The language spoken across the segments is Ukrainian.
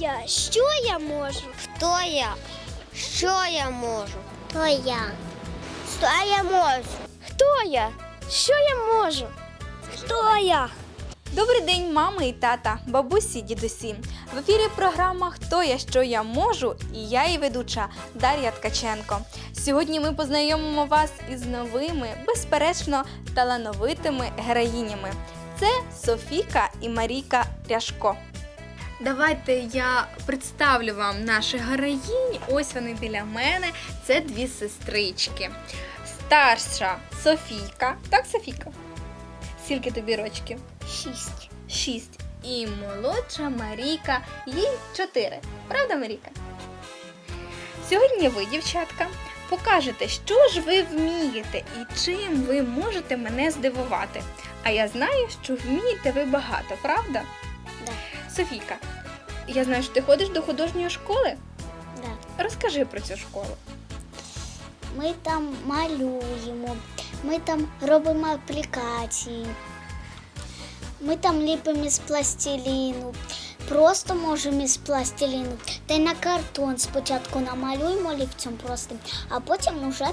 я? Що я можу? Хто я? Що я можу? Хто я? Що я можу? Хто я? Що я можу? Хто я? Добрий день, мами і тата, бабусі, дідусі. В ефірі програма «Хто я, що я можу» і я її ведуча Дар'я Ткаченко. Сьогодні ми познайомимо вас із новими, безперечно, талановитими героїнями. Це Софійка і Марійка Ряжко. Давайте я представлю вам наших героїнь. Ось вони біля мене. Це дві сестрички. Старша Софійка. Так, Софійка? Скільки тобі рочків? 6. І молодша Марійка, їй 4. Правда, Марійка? Сьогодні ви, дівчатка, покажете, що ж ви вмієте і чим ви можете мене здивувати. А я знаю, що вмієте ви багато, правда? Да. Софійка, я знаю, що ти ходиш до художньої школи? Да. Розкажи про цю школу. Ми там малюємо, ми там робимо аплікації, ми там ліпимо із пластиліну, просто можемо із пластиліну. Та й на картон спочатку намалюємо олівцем простим, а потім вже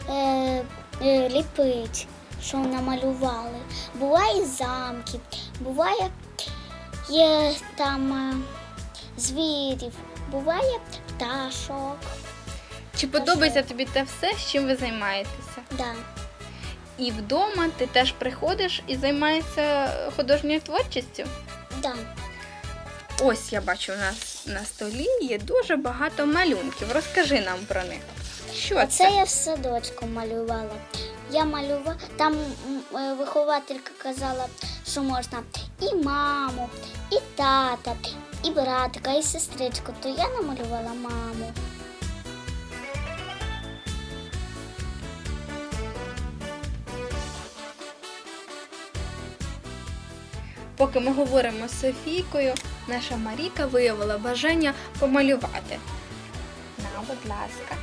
ліпить, що намалювали. Буває замки, буває є там звірів, буває пташок. Чи подобається тобі те все, з чим ви займаєтеся? Да. І вдома ти теж приходиш і займаєшся художньою творчістю? Да. Ось я бачу, у нас на столі є дуже багато малюнків. Розкажи нам про них. Що Це це? я в садочку малювала. Я малювала, там вихователька казала, що можна і маму, і тата, і братика, і сестричку. То я намалювала маму. Поки ми говоримо з Софійкою, наша Марійка виявила бажання помалювати. На, будь ласка.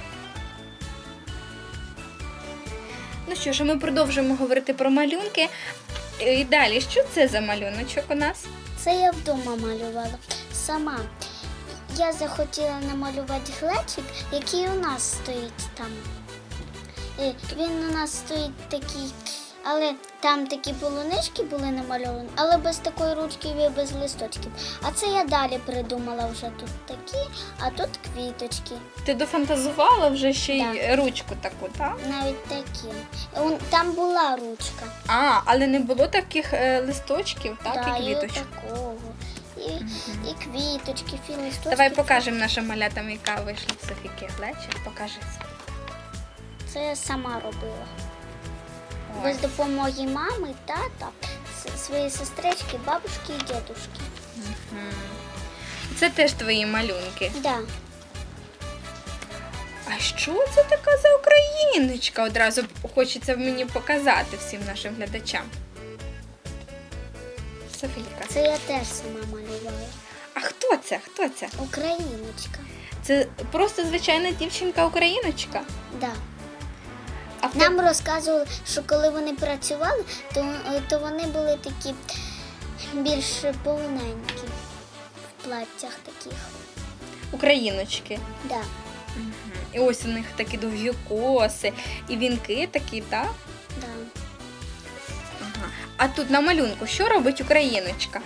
Ну що ж, ми продовжуємо говорити про малюнки. І далі, що це за малюночок у нас? Це я вдома малювала сама. Я захотіла намалювати глечик, який у нас стоїть там. Він у нас стоїть такий, але там такі полунички були намальовані, але без такої ручки і без листочків. А це я далі придумала вже тут такі, а тут квіточки. Ти дофантазувала вже ще й ручку таку, так? Навіть такі. Там була ручка. А, але не було таких листочків, так, Да, і квіточок. І такого. І квіточки, і листочки. Давай покажемо нашим малятам, яка вийшла в Софійки глечик. Покажи. Це я сама робила. Ой. Без допомоги мами, тата, своєї сестрички, бабушки і дідушки. Мгм. Це теж твої малюнки. Да. А що це така за україночка? Одразу хочеться мені показати всім нашим глядачам. Софійка. Це я теж сама малювала. А хто це? Хто це? Україночка. Це просто звичайна дівчинка-україночка? Да. А хто... Нам розказували, що коли вони працювали, то вони були такі більш повненькі в платтях таких. Україночки. Да. Мгм. І ось у них такі довгі коси, і вінки такі, так? Да. Ага. А тут на малюнку що робить україночка?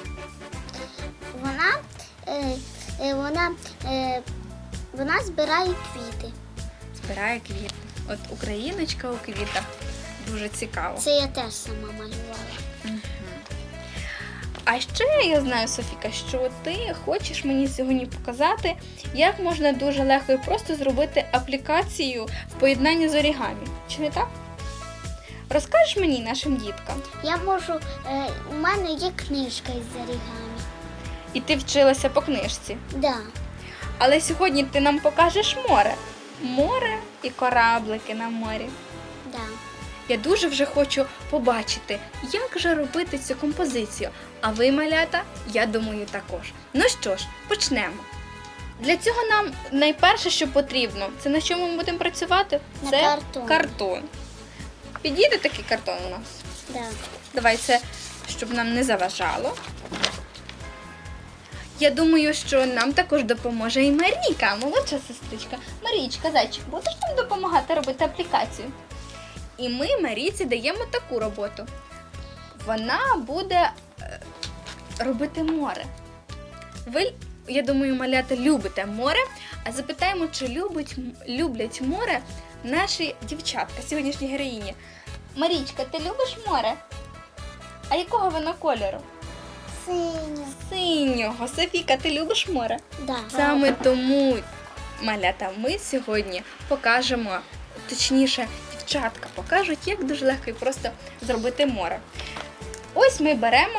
Вона збирає квіти. Збирає квіти. От україночка у квітах. Дуже цікаво. Це я теж сама малювала. А ще я знаю, Софіка, що ти хочеш мені сьогодні показати, як можна дуже легко і просто зробити аплікацію в поєднанні з орігамі. Чи не так? Розкажеш мені, нашим діткам? Я можу, у мене є книжка із орігамі. І ти вчилася по книжці. Да. Але сьогодні ти нам покажеш море. Море і кораблики на морі. Да. Я дуже вже хочу побачити, як же робити цю композицію. А ви, малята, я думаю, також. Ну що ж, почнемо. Для цього нам найперше, що потрібно, це на чому ми будемо працювати? На це картон. картон. Підійде такий картон у нас? Да. Давай це, щоб нам не заважало. Я думаю, що нам також допоможе і Марійка, молодша сестричка. Марічка, зайчик, будеш нам допомагати робити аплікацію? І ми Марійці даємо таку роботу. Вона буде робити море. Ви, я думаю, малята, любите море, а запитаємо, чи люблять море наші дівчатка, сьогоднішні героїні. Марічка, ти любиш море? А якого воно кольору? Синю. Синього. Софійка, ти любиш море? Да. Саме тому, малята, ми сьогодні покажемо, точніше, дівчатка покажуть, як дуже легко і просто зробити море. Ось ми беремо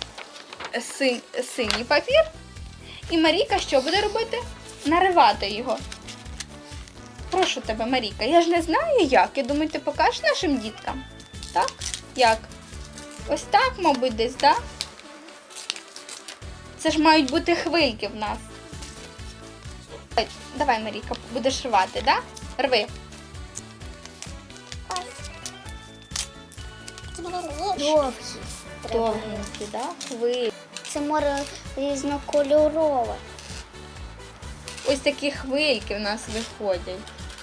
синій папір, і Марійка що буде робити? Наривати його. Прошу тебе, Марійка, я ж не знаю як. Я думаю, ти покажеш нашим діткам? Так? Як? Ось так, мабуть, десь, так? Да? Це ж мають бути хвильки в нас. Давай, Марійка, будеш рвати, так? Да? Рви. Довгі. Довгенькі, да? Хвилі. Це море різнокольорове. Ось такі хвильки в нас виходять.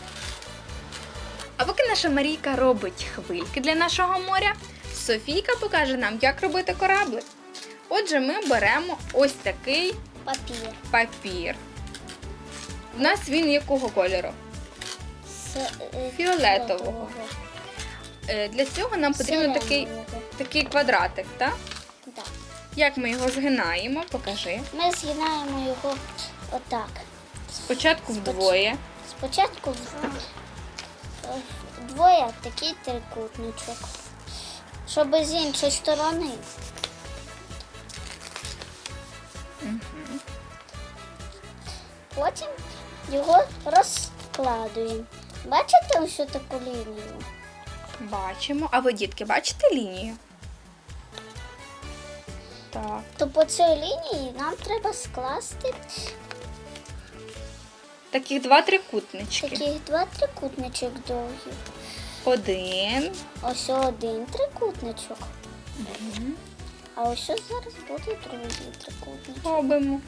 А поки наша Марійка робить хвильки для нашого моря, Софійка покаже нам, як робити кораблик. Отже, ми беремо ось такий папір. У нас він якого кольору? Фіолетового. Для цього нам потрібен такий квадратик, так? Так. Як ми його згинаємо? Покажи. Ми згинаємо його отак. Спочатку вдвоє. Спочатку вдвоє такий трикутничок. Щоб з іншої сторони. Потім його розкладуємо. Бачите ось таку лінію? Бачимо. А ви, дітки, бачите лінію? Так. То по цій лінії нам треба скласти Таких два трикутнички. таких два трикутничок довгі. Один. Ось один трикутничок. А ось зараз буде другий трикутничок. Робимо.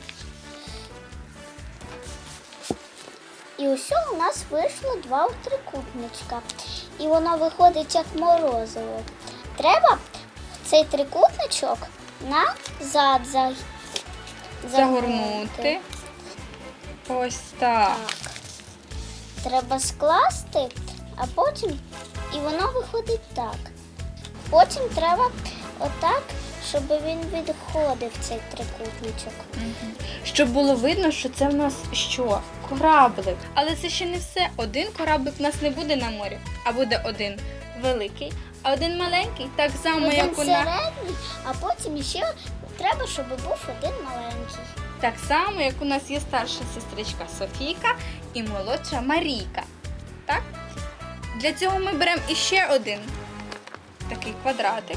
І ось у нас вийшло два трикутничка. І воно виходить як морозиво. Треба цей трикутничок назад Загорнути. Ось так. Так. Треба скласти, а потім і воно виходить так. Потім треба отак, щоб він відходив цей трикутничок. Щоб було видно, що це в нас що? Кораблик. Але це ще не все. Один кораблик в нас не буде на морі, а буде один великий, а один маленький. Так само, Один як у нас. середній, а потім ще треба, щоб був один маленький. Так само, як у нас є старша сестричка Софійка і молодша Марійка. Так? Для цього ми беремо іще один такий квадратик.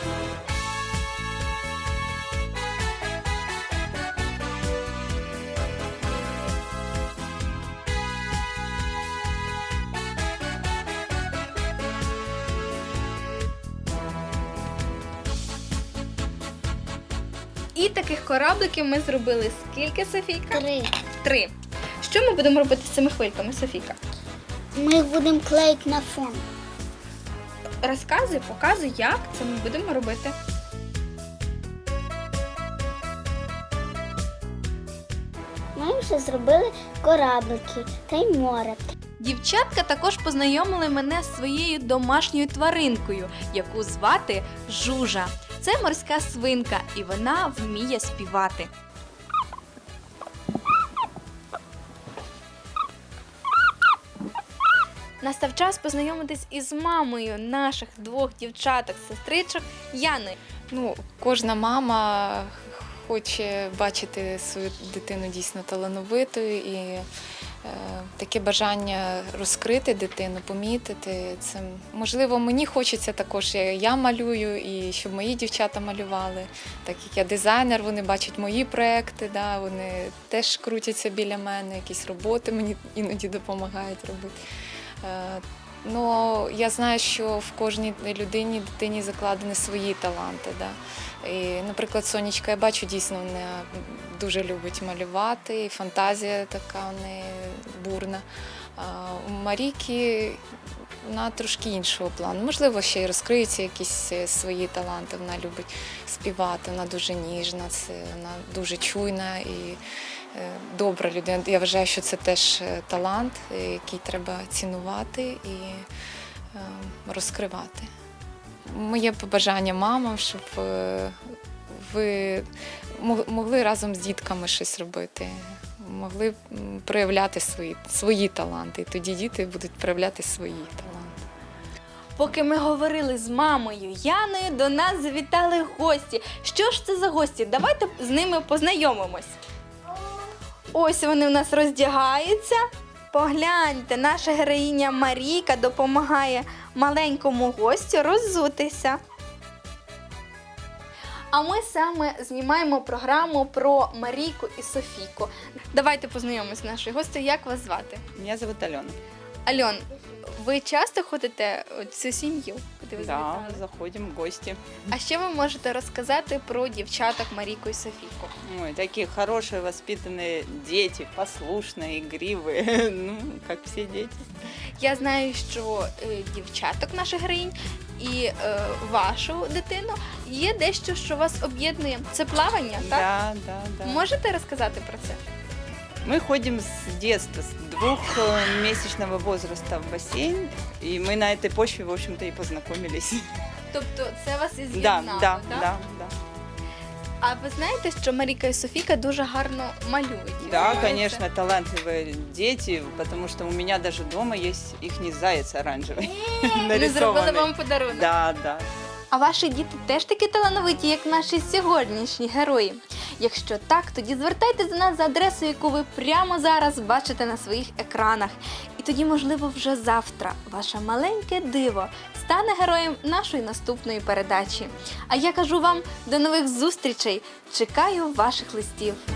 І таких корабликів ми зробили скільки, Софійка? 3. 3. Що ми будемо робити з цими хвильками, Софійка? Ми їх будемо клеїти на фон. Розказуй, показуй, як це ми будемо робити. Ми вже зробили кораблики та й море. Дівчатка також познайомили мене з своєю домашньою тваринкою, яку звати Жужа. Це морська свинка, і вона вміє співати. Настав час познайомитись із мамою наших двох дівчаток-сестричок Яною. Кожна мама хоче бачити свою дитину дійсно талановитою і таке бажання розкрити дитину, помітити. Це, можливо, мені хочеться також, я малюю, і щоб мої дівчата малювали. Так як я дизайнер, вони бачать мої проекти, да, вони теж крутяться біля мене, якісь роботи мені іноді допомагають робити. Ну, я знаю, що в кожній дитині закладені свої таланти. Да? І, наприклад, Сонечка, я бачу, дійсно, вона дуже любить малювати, і фантазія така в неї бурна. А у Марійки вона трошки іншого плану. Можливо, ще й розкриються якісь свої таланти. Вона любить співати, вона дуже ніжна, вона дуже чуйна і добра людина. Я вважаю, що це теж талант, який треба цінувати і розкривати. Моє побажання мамам, щоб ви могли разом з дітками щось робити, могли проявляти свої таланти. І тоді діти будуть проявляти свої таланти. Поки ми говорили з мамою Яною, до нас завітали гості. Що ж це за гості? Давайте з ними познайомимось. Ось вони у нас роздягаються. Погляньте, наша героїня Марійка допомагає маленькому гостю роззутися. А ми саме знімаємо програму про Марійку і Софійку. Давайте познайомимось з нашою гостею. Як вас звати? Меня зовут Алена. Альон, ви часто ходите в цю сім'ю, куди ви Да, завітали? заходим в гости. А що ви можете розказати про дівчаток Марійку і Софійку? Ой, такие хорошие, воспитанные дети, послушные, игривые, ну, как все дети. Я знаю, що дівчаток наших героїнь і вашу дитину є дещо, що вас об'єднує. Це плавання, так? Да, да, да. Можете розказати про це? Мы ходим с детства, с 2-месячного возраста в бассейн, и мы на этой почве, в общем-то, и познакомились. Тобто це вас і Да, з'єднало, да, так? да, да. А ви знаєте, що Марійка і Софійка дуже гарно малюють? Да, Це- конечно, талантливые дети, потому что у меня даже дома есть ихний заяц оранжевый. Вони зробили нарисованный. вам подарунок. Да, да. А ваші діти теж такі талановиті, як наші сьогоднішні герої? Якщо так, тоді звертайтеся до нас за адресою, яку ви прямо зараз бачите на своїх екранах. І тоді, можливо, вже завтра ваше маленьке диво стане героєм нашої наступної передачі. А я кажу вам до нових зустрічей. Чекаю ваших листів.